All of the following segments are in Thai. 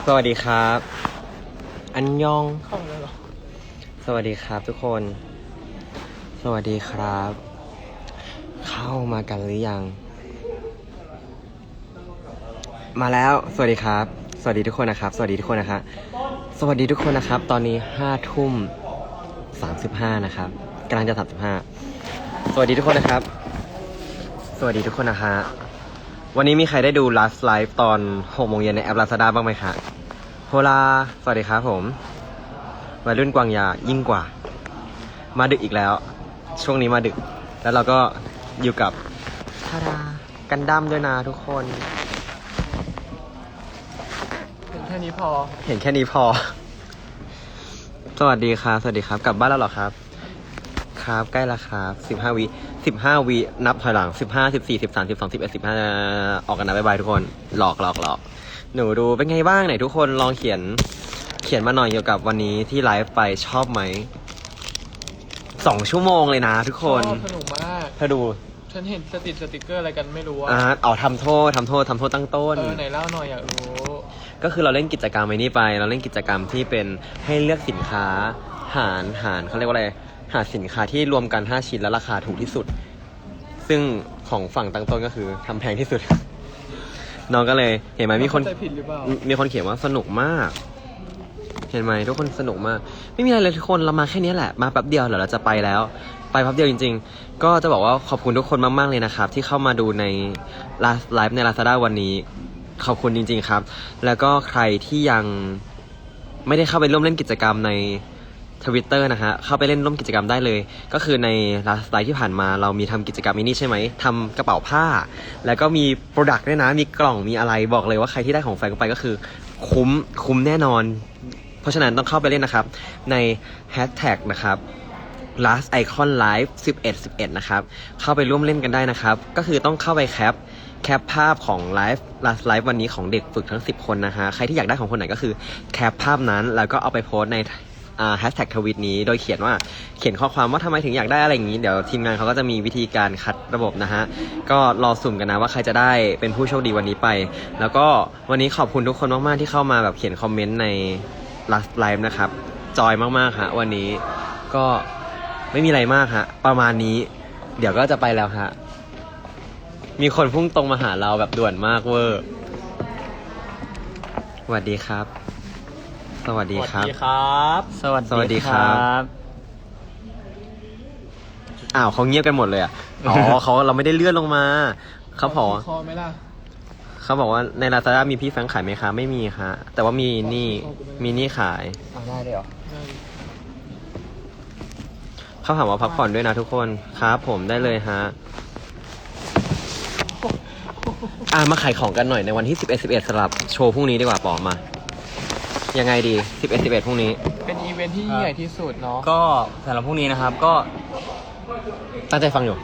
สวัสดีครับ อันยองเข้าแล้วเหรอสวัสดีครับทุกคน สวัสดีครับ เข้ามากันหรือยัง มาแล้ว สวัสดีครับ สวัสดีทุกคนนะครับ สวัสดีทุกคนนะครับ สวัสดีทุกคนนะครับ ตอนนี้5:35นะครับกำลังจะ35สวัสดีทุกคนนะครับ สวัสดีทุกคนนะฮะวันนี้มีใครได้ดู Last Live ตอน 6 โมงเย็นในแอป Lazada บ้างไหมคะโฮลาสวัสดีครับผมวัยรุ่นกวางยายิ่งกว่า มาดึกอีกแล้ว ช่วงนี้มาดึก แล้วเราก็อยู่กับทาดากันดั้มด้วยนะทุกคนเห็นแค่นี้พอเห็นแค่นี้พอ สวัสดีครับ สวัสดีครับ กลับบ้านแล้วเหรอครับ ครับ ใกล้แล้วครับ15 วินับถอยหลัง15 14 13 12 11 15ออกกันนะบ๊ายบายทุกคนหลอกหนูดูเป็นไงบ้างไหนทุกคนลองเขียนมาหน่อยเกี่ยวกับวันนี้ที่ไลฟ์ไปชอบไหม2 ชั่วโมงเลยนะทุกคนชอบสนุกมากเธอดูฉันเห็นสติกเกอร์อะไรกันไม่รู้อะทำโทษตั้งต้นไหนเล่าหน่อยอยากรู้ก็คือเราเล่นกิจกรรมไอ้นี่ไป เราเล่นกิจกรรมที่เป็นให้เลือกสินค้าหารเขาเรียกว่าอะไรหาสินค้าที่รวมกัน5 ชิ้นแล้วราคาถูกที่สุด ซึ่งของฝั่งตั้งต้นก็คือทำแพงที่สุด น้องก็เลยเห็นไหมมีคนเข้าใจผิดหรือเปล่ามีคนเขียนว่าสนุกมาก เห็นไหมทุกคนสนุกมาก ไม่มีอะไรเลยทุกคนเรามาแค่นี้แหละมาแป๊บเดียวเดี๋ยวเราจะไปแล้ว ไปแป๊บเดียวจริงๆ ก็จะบอกว่าขอบคุณทุกคนมากๆเลยนะครับที่เข้ามาดูในไลฟ์ใน Lazada วันนี้ขอบคุณจริงๆครับ แล้วก็ใครที่ยังไม่ได้เข้าไปร่วมเล่นกิจกรรมในTwitter นะฮะเข้าไปเล่นร่วมกิจกรรมได้เลยก็คือใน last live ที่ผ่านมาเรามีทำกิจกรรมนี้ใช่ไหมทำกระเป๋าผ้าแล้วก็มีโปรดักต์ด้วยนะมีกล่องมีอะไรบอกเลยว่าใครที่ได้ของแฟนไปก็คือคุ้มแน่นอนเพราะฉะนั้นต้องเข้าไปเล่นนะครับใน hashtag นะครับ last icon live 11นะครับเข้าไปร่วมเล่นกันได้นะครับก็คือต้องเข้าไปแคปภาพของlast live วันนี้ของเด็กฝึกทั้ง10คนนะฮะใครที่อยากได้ของคนไหนก็คือแคปภาพนั้นแล้วก็เอาไปโพสต์ในแฮชแท็กทวิตนี้โดยเขียนข้อความว่าทำไมถึงอยากได้อะไรอย่างนี้เดี๋ยวทีมงานเขาก็จะมีวิธีการคัดระบบนะฮะก็รอสุ่มกันนะว่าใครจะได้เป็นผู้โชคดีวันนี้ไปแล้วก็วันนี้ขอบคุณทุกคนมากๆที่เข้ามาแบบเขียนคอมเมนต์ใน last live นะครับจอยมากๆฮะวันนี้ก็ไม่มีอะไรมากฮะประมาณนี้เดี๋ยวก็จะไปแล้วฮะมีคนพุ่งตรงมาหาเราแบบด่วนมากเวอร์สวัสดีครับสวัสดีครับสวัสสวัสดีครับ อ้าวเขาเงียบกันหมดเลยอ่ะ อ๋อ เราไม่ได้เลื่อนลงมา เขาบอกคอไหมล่ะเขาบอกว่าใน Lazada มีพี่แฟรงค์ขายไหมคะไม่มีค่ะแต่ว่ามีนี่ขายได้เลยเหรอเขาถามว่าพักผ่อนด้วยนะทุกคนครับผมได้เลยฮะมาขายของกันหน่อยในวันที่11สำหรับโชว์พรุ่งนี้ดีกว่าปอมายังไงดี11พรุ่งนี้เป็นอีเวนท์ที่ยิ่งใหญ่ที่สุดเนาะก็สำหรับพรุ่งนี้นะครับก็ตั้งใจฟังอยู่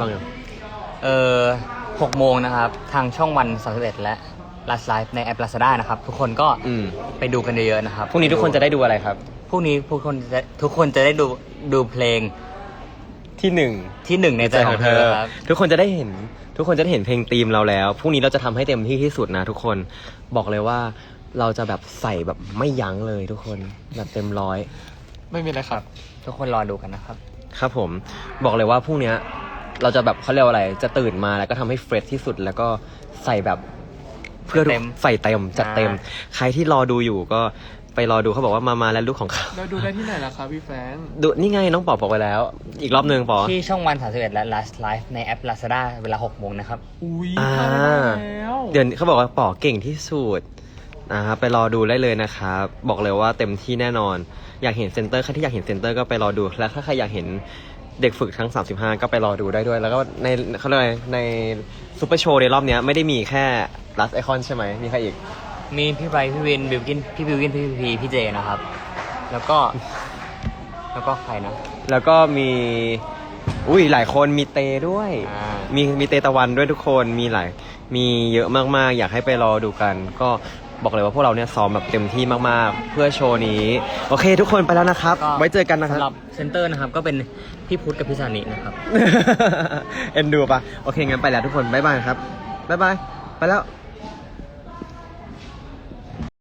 6 โมงนะครับทางช่องวัน31และ Last Live ในแอป Lazada นะครับทุกคนก็ไปดูกันเยอะๆนะครับพรุ่งนี้ทุกคนจะได้ดูอะไรครับพรุ่งนี้ทุกคนจะได้ดูเพลงที่หนึ่งในใจของเธอครับทุกคนจะได้เห็นเพลงธีมเราแล้วพรุ่งนี้เราจะทำให้เต็มที่ที่สุดนะทุกคนบอกเลยว่าเราจะแบบใส่แบบไม่ยั้งเลยทุกคนแบบเต็มร้อยไม่มีอะไรครับทุกคนรอดูกันนะครับครับผมบอกเลยว่าพรุ่งนี้เราจะแบบเขาเรียกว่าอะไรจะตื่นมาแล้วก็ทำให้เฟรชที่สุดแล้วก็ใส่แบบเพื่อใส่เต็มจัดเต็มใครที่รอดูอยู่ก็ไปรอดูเขาบอกว่ามาแล้วลูกของเขาแล้วดูได้ที่ไหนล่ะครับพี่แฟงดูนี่ไงน้องปอบอกไปแล้วอีกรอบนึงปอที่ช่องวัน31และ Last Live ในแอป Lazada เวลา 6 โมงนะครับอุ้ยแล้วเดี๋ยวเขาบอกว่าปอเก่งที่สุดนะครับไปรอดูได้เลยนะครับบอกเลยว่าเต็มที่แน่นอนอยากเห็นเซนเตอร์ใครที่อยากเห็นเซนเตอร์ก็ไปรอดูแล้วถ้าใครอยากเห็นเด็กฝึกทั้ง35ก็ไปรอดูได้ด้วยแล้วก็ในเขาเรียกในซูเปอร์โชว์ในรอบนี้ไม่ได้มีแค่ Last Icon ใช่ไหมมีใครอีกมีพี่ไบร์ทพี่วินบิวกินพี่บิวกินพี่พีพี่เจนะครับแล้วก็ใครนะแล้วก็มีหลายคนมีเตด้วยมีเตตะวันด้วยทุกคนมีเยอะมากๆอยากให้ไปรอดูกันก็บอกเลยว่าพวกเราเนี่ยซ้อมแบบเต็มที่มากๆเพื่อโชว์นี้โอเคทุกคนไปแล้วนะครับไว้เจอกันนะครับสำหรับเซนเตอร์นะครับก็เป็นพี่พุทธกับพี่สานินะครับเอ็นดูปะโอเคงั้นไปแล้วทุกคนบ๊ายบายครับบ๊ายบายไปแล้ว